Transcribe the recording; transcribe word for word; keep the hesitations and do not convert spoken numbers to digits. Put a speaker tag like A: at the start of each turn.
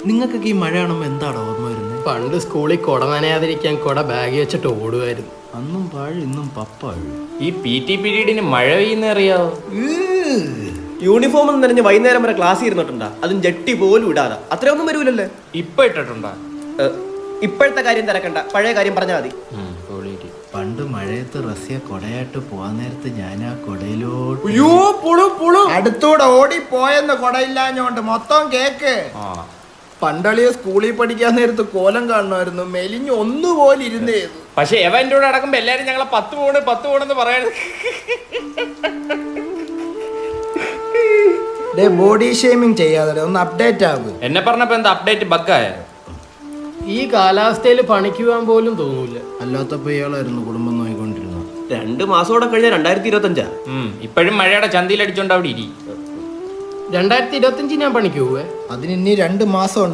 A: നിങ്ങൾക്കൊക്കെ ഈ മഴ കാണുമ്പോൾ എന്താണ് ഓർമ്മ വരുന്നത്?
B: പണ്ട് സ്കൂളിൽ കുട നനയാതിരിക്കാൻ കുട ബാഗ് വെച്ചിട്ട് ഓടുമായിരുന്നു.
A: അന്നും പാഴ് ഇന്നും പപ്പാഴ്.
C: ഈ പി ടി പീരീഡിന് മഴ പെയ്യുന്ന അറിയാവോ?
D: യൂണിഫോം എന്ന് പറഞ്ഞ് വൈകുന്നേരം വരെ ക്ലാസ് ഇരുന്നിട്ടുണ്ടാ, അതും ജട്ടി പോലും ഇടാതെ. അത്രയൊന്നും വരൂലല്ലേ?
C: ഇപ്പൊ ഇട്ടിട്ടുണ്ടോ?
D: ഇപ്പോഴത്തെ കാര്യം തിരക്കണ്ട, പഴയ കാര്യം പറഞ്ഞാൽ മതി.
A: പണ്ട് മഴയത്ത് റസിയ കൊടയായിട്ട് പോവാൻ നേരത്ത് ഞാൻ ആ കൊടയിലോട്ട്
E: അടുത്തൂടെ ഓടിപ്പോയെന്ന് കൊടയില്ലാഞ്ഞോണ്ട് മൊത്തം കേക്ക്. പണ്ടളിയെ സ്കൂളിൽ പഠിക്കാൻ നേരത്ത് കോലം കാണുമായിരുന്നു, മെലിഞ്ഞ് ഒന്നുപോലെ ഇരുന്നേ.
C: പക്ഷെ എവ എന്റെ കൂടെ അടക്കുമ്പോ എല്ലാരും ഞങ്ങളെ പത്ത് പോണ് പത്ത് പോണെന്ന് പറയണത്.
E: ബോഡി ഷേമിങ് ചെയ്യാതെ ഒന്ന് അപ്ഡേറ്റ് ആകും.
C: എന്നെ പറഞ്ഞപ്പോ എന്താ അപ്ഡേറ്റ് ബഗ്ഗായ?
B: ഈ കാലാവസ്ഥയിൽ പണിക്ക് പോകാൻ പോലും തോന്നൂല.
A: അല്ലാത്തപ്പോ ഇയാളായിരുന്നു കുടുംബം നോയിക്കൊണ്ടിരുന്നത്.
D: രണ്ട് മാസത്തോടെ കഴിഞ്ഞ രണ്ടായിരത്തി ഇരുപത്തി അഞ്ചാ.
C: ഇപ്പോഴും മഴയുടെ ചന്തിയിൽ അടിച്ചോണ്ട് അവിടെ ഇരി.
B: രണ്ടായിരത്തി ഇരുപത്തി അഞ്ച് ഞാൻ പണിക്ക് പോവേ.
E: അതിന് ഇനി രണ്ട് മാസം